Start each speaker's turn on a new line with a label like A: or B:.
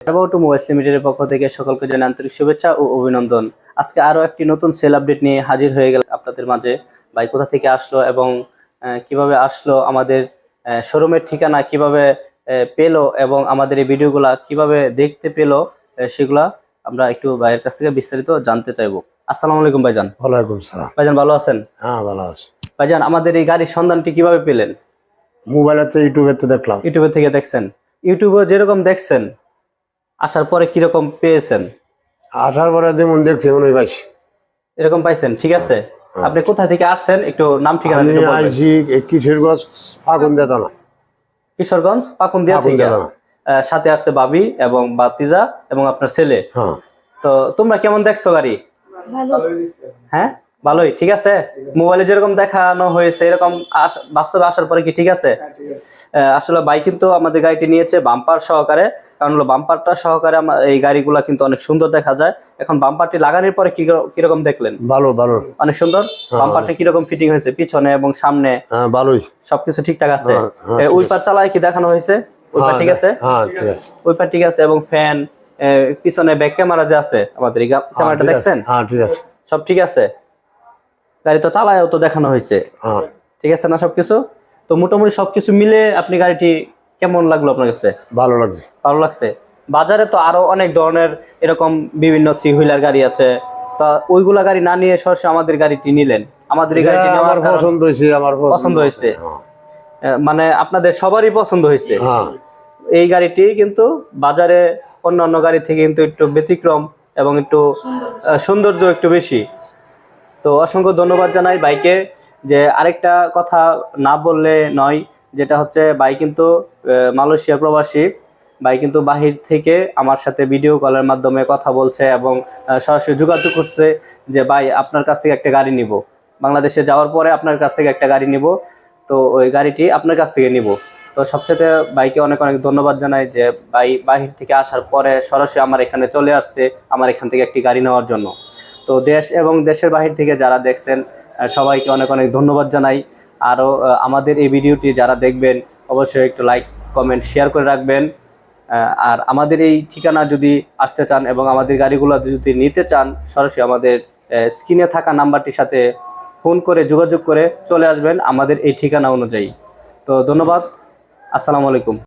A: Automobiles লিমিটেডের পক্ষ থেকে সকলকে জানাই আন্তরিক শুভেচ্ছা ও অভিনন্দন। আজকে আরো একটি নতুন সেল আপডেট নিয়ে হাজির হয়ে গেল আপনাদের মাঝে। ভাই কোথা থেকে আসলো এবং কিভাবে আসলো, আমাদের শোরুমের ঠিকানা কিভাবে পেলো এবং আমাদের এই ভিডিওগুলা কিভাবে দেখতে পেলো, সেগুলা আমরা একটু ভাইয়ের কাছ থেকে বিস্তারিত জানতে চাইবো। আসসালামু আলাইকুম ভাইজান।
B: ওয়ালাইকুম সালাম।
A: ভাইজান ভালো আছেন?
B: হ্যাঁ ভালো আছি
A: ভাইজান, আমাদের এই গাড়ির সন্ধানটি কিভাবে পেলেন?
B: মোবাইলেতে ইউটিউবেতে দেখলাম।
A: ইউটিউবে থেকে দেখছেন? ইউটিউবে যেরকম দেখছেন আসার পরে কিরকম পেয়েছেন?
B: আসার পরে যেমন দেখছি মনে পাইছি
A: এরকম পাইছেন, ঠিক আছে। আপনি কোথা থেকে আসছেন একটু নাম ঠিকানা
B: আমি
A: একটু বলবেন।
B: আইছি কিশোরগঞ্জ ফাগুন দেতানা।
A: কিশোরগঞ্জ পাকুন্দিয়া থেকে। সাথে আসছে ভাবি এবং বাতিজা এবং আপনার ছেলে।
B: হ্যাঁ,
A: তো তোমরা কেমন দেখছো গাড়ি? হ্যাঁ ভালোই, ঠিক আছে। মোবাইলে যেরকম দেখানো হয়েছে এরকম বাস্তবে আসার পরে কি ঠিক আছে? আসলে ভাই কিন্তু আমাদের গাড়িটি নিয়েছে বাম্পার সহকারে, কারণ হলো বাম্পারটা সহকারে এই গাড়িগুলা কিন্তু অনেক সুন্দর দেখা যায়। এখন বাম্পারটি লাগানোর পরে কিরকম দেখলেন?
B: ভালো ভালো,
A: অনেক সুন্দর। বাম্পারটা কিরকম ফিটিং হয়েছে পিছনে এবং সামনে?
B: ভালোই,
A: সবকিছু ঠিকঠাক আছে। ওই পার চালায় কি দেখানো হয়েছে? ওই পার ঠিক আছে?
B: হ্যাঁ ঠিক আছে,
A: ওই পার ঠিক আছে। এবং ফ্যান, পিছনে ব্যাক ক্যামেরা যে আছে আমাদের, এই ক্যামেরাটা দেখছেন?
B: হ্যাঁ ঠিক আছে,
A: সব ঠিক আছে। গাড়ি তো চালায়ও তো দেখানো হয়েছে,
B: হ্যাঁ
A: ঠিক আছে না সবকিছু? তো মোটামুটি সবকিছু মিলে আপনি গাড়িটি কেমন লাগলো আপনার কাছে?
B: ভালো লাগছে।
A: ভালো লাগছে। বাজারে তো আরো অনেক ধরনের এরকম বিভিন্ন থ্রি হুইলার গাড়ি আছে, তা ওইগুলা গাড়ি না নিয়ে সরাসরি আমাদের গাড়িটি নিলেন। আমাদের এই গাড়িটি
B: আমার পছন্দ হয়েছে, আমার
A: পছন্দ হয়েছে, মানে আপনাদের সবারই পছন্দ হয়েছে।
B: হ্যাঁ,
A: এই গাড়িটি কিন্তু বাজারে অন্যান্য গাড়ি থেকে কিন্তু একটু ব্যতিক্রম এবং একটু সৌন্দর্য একটু বেশি। তো অসংখ্য ধন্যবাদ জানাই বাইকে। যে আরেকটা কথা না বললে নয়, যেটা হচ্ছে ভাই কিন্তু মালয়েশিয়া প্রবাসী। ভাই কিন্তু বাহির থেকে আমার সাথে ভিডিও কলের মাধ্যমে কথা বলছে এবং সরাসরি যোগাযোগ করছে যে ভাই আপনার কাছ থেকে একটা গাড়ি নিব, বাংলাদেশে যাওয়ার পরে আপনার কাছ থেকে একটা গাড়ি নিব, তো ওই গাড়িটি আপনার কাছ থেকে নিব। তো সবচেয়ে ভাইকে অনেক অনেক ধন্যবাদ জানাই যে ভাই বাহির থেকে আসার পরে সরাসরি আমার এখানে চলে আসছে আমার এখান থেকে একটি গাড়ি নেওয়ার জন্য। তো দেশ এবং দেশের বাহির থেকে যারা দেখছেন সবাইকে অনেক অনেক ধন্যবাদ জানাই। আরও আমাদের এই ভিডিওটি যারা দেখবেন অবশ্যই একটু লাইক কমেন্ট শেয়ার করে রাখবেন। আর আমাদের এই ঠিকানা যদি আসতে চান এবং আমাদের গাড়িগুলো যদি নিতে চান, সরাসরি আমাদের স্ক্রিনে থাকা নাম্বারটির সাথে ফোন করে যোগাযোগ করে চলে আসবেন আমাদের এই ঠিকানা অনুযায়ী। তো ধন্যবাদ, আসসালামু আলাইকুম।